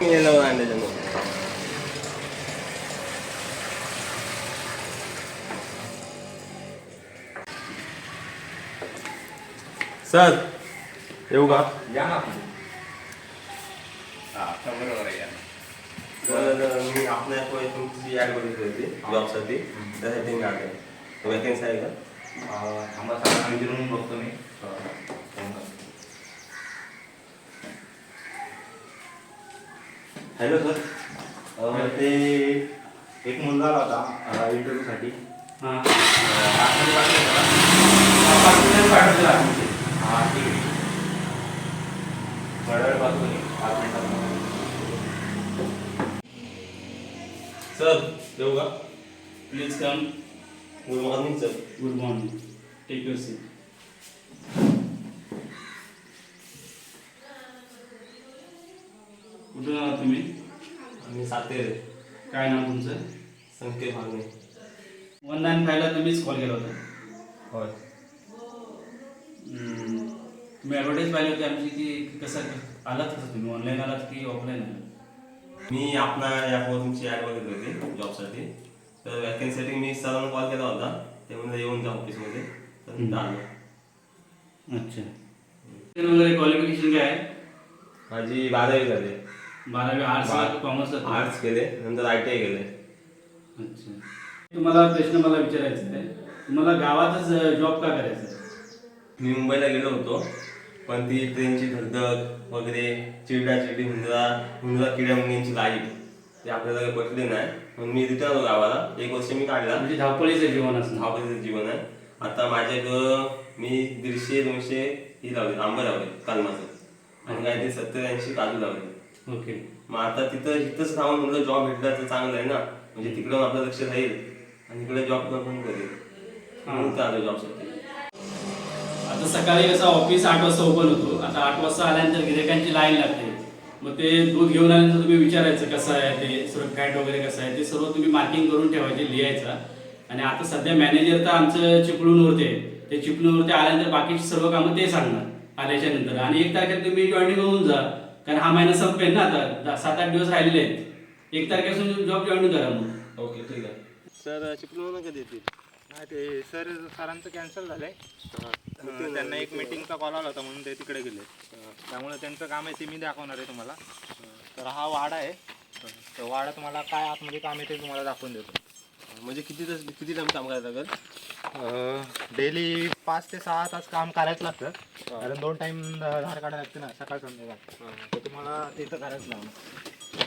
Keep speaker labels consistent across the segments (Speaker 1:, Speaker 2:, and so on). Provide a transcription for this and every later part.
Speaker 1: Sir येऊ का?
Speaker 2: या ना. बरोबर आहे.
Speaker 1: तर मी आपल्या तुमची ॲड बघितली होती जॉबसाठी, त्यासाठी मी आलो. वॅकन्सी आहे का?
Speaker 2: आम्हाला सगळ्यांना विचारून बघतो मी.
Speaker 1: हॅलो सर,
Speaker 2: ते एक मुलगा आला होता इंटरव्ह्यूसाठी.
Speaker 1: हां
Speaker 2: हां ठीक आहे. थोड्या वेळ बघतो मी, 5 मिनिटात.
Speaker 1: सर येऊ का?
Speaker 3: Please come.
Speaker 1: Good morning sir.
Speaker 3: Good morning. Take your seat. कुठून आहात तुम्ही?
Speaker 1: मी सातेरे.
Speaker 3: काय नाव तुमचं?
Speaker 1: संकेत मागणे.
Speaker 3: 195ला तुम्हीच कॉल केला होता.
Speaker 1: होय.
Speaker 3: तुम्ही ॲडव्हर्टाईज पाहिली होती आमची की कसं आलात कसं तुम्ही ऑनलाईन आलात की ऑफलाईन आलात?
Speaker 1: मी आपला यावर तुमची ॲड बघितली होती जॉबसाठी. तर वॅकन्सीसाठी मी सरांना कॉल केला होता, ते म्हणजे येऊन जा ऑफिसमध्ये. तर मी आलो.
Speaker 3: अच्छा. वगैरे क्वालिफिकेशन काय आहे?
Speaker 1: माझी 12वी झाली.
Speaker 3: 12वी आर्ट्स कॉमर्स?
Speaker 1: आर्ट्स केले, नंतर ITI केले.
Speaker 3: अच्छा. तुम्हाला प्रश्न मला विचारायचा आहे, तुम्हाला गावातच जॉब का करायचा आहे?
Speaker 1: मी मुंबईला गेलो होतो, पण ती ट्रेनची धगधग वगैरे, चिरडाचिरडी, हुंदरा किड्या मुंग्यांची लाईफ ते आपल्याला काही पटले नाही. म्हणून मी रिटर्न आलो गावाला. 1 वर्ष मी काढला.
Speaker 3: म्हणजे धावपळीचं जीवन असं?
Speaker 1: धावपळीचं जीवन आहे. आता माझ्याकडं मी 150-200 ही लावले, आंबे लावले कालमाचं, आणि काहीतरी 70-80 काजू लावले.
Speaker 3: ओके.
Speaker 1: मग आता इथंच राहून म्हणलं जॉब भेटला तर चांगलं आहे ना, म्हणजे तिकडं आपलं लक्ष राहील आणि इकडे जॉब पण करेल. म्हणून आलो जॉबसाठी.
Speaker 3: आता सकाळी कसं ऑफिस 8 वाजता ओपन होतो. आता 8 वाजता आल्यानंतर गिरायकांची लाईन लागते. मग ते दूध घेऊन आल्यानंतर तुम्ही विचारायचं कसं आहे ते सुरक्षित वगैरे कसं आहे ते सर्व तुम्ही मार्किंग करून ठेवायचे, लिहायचं. आणि आता सध्या मॅनेजर तर आमचं चिपळूणवरती आहे. ते चिपळूणवरती आल्यानंतर बाकीची सर्व कामं ते सांगणार आल्याच्या नंतर. आणि 1 तारखेला तुम्ही जॉईनिंग होऊन जा, कारण हा महिना संपेल ना, आता 7-8 दिवस राहिलेले आहेत. 1 तारखेपासून जॉब जॉईन करा मग.
Speaker 1: ओके ठीक आहे. सर चिपळूण कधी येतील?
Speaker 2: हा ते सरांचं कॅन्सल झालंय. त्यांना एक मीटिंगचा कॉल आला होता म्हणून ते तिकडे गेले. त्यामुळे त्यांचं काम आहे ते मी दाखवणार आहे तुम्हाला. तर हा वाडा आहे. तर वाडा तुम्हाला काय आतमध्ये काम आहे ते तुम्हाला दाखवून देतो.
Speaker 1: म्हणजे किती टाइम काम करायला लागेल?
Speaker 2: डेली 5 ते 6 तास काम करायचं लागतं. कारण 2 टाइम धार काढायला लागते ना, सकाळ संध्याकाळ. तर तुम्हाला तिथं करायचं लागणार.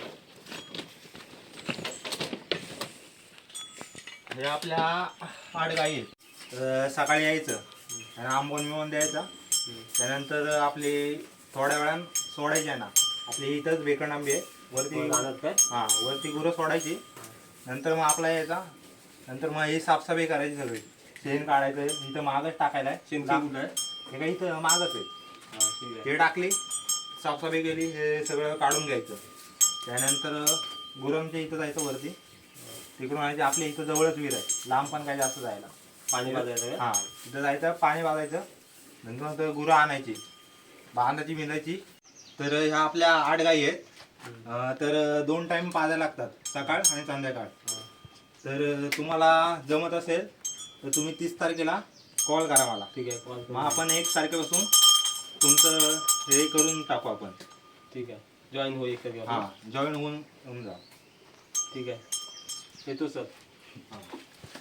Speaker 2: हे आपल्या 8 गाई आहेत. सकाळी यायचं आणि आंबवून द्यायचा. त्यानंतर आपली थोड्या वेळानं सोडायची आहे ना, आपली इथंच बेकण आंबे आहे वरती. हां, वरती गुरं सोडायची. नंतर मग आपला यायचा. नंतर मग ही साफसफाई करायची सगळी. शेण काढायचं आहे, इथं मागच टाकायला आहे.
Speaker 1: शेण कुठं आहे?
Speaker 2: हे काय इथं मागच आहे.
Speaker 1: ठीक आहे.
Speaker 2: हे टाकली, साफसफाई केली, हे सगळं काढून घ्यायचं. त्यानंतर गुरांच्या इथं जायचं वरती. तिकडून आणायचे. आपल्या इथं जवळच विहीर आहे, लांब पण काय जास्त जायला.
Speaker 1: पाणी पाजायचं?
Speaker 2: हां, तिथं जायचं, पाणी पाजायचं. नंतर गुरं आणायची, बांधाची मिळायची. तर ह्या आपल्या 8 गाई आहेत. तर 2 टाइम पाजायला लागतात, सकाळ आणि संध्याकाळ. तर तुम्हाला जमत असेल तर तुम्ही 30 तारखेला कॉल करा मला.
Speaker 1: ठीक आहे, कॉल.
Speaker 2: मग आपण 1 तारखेपासून तुमचं हे करून टाकू आपण.
Speaker 1: ठीक आहे, जॉईन होईल कधी?
Speaker 2: हां, जॉईन होऊन जा.
Speaker 1: ठीक आहे, येतो सर.
Speaker 2: हां.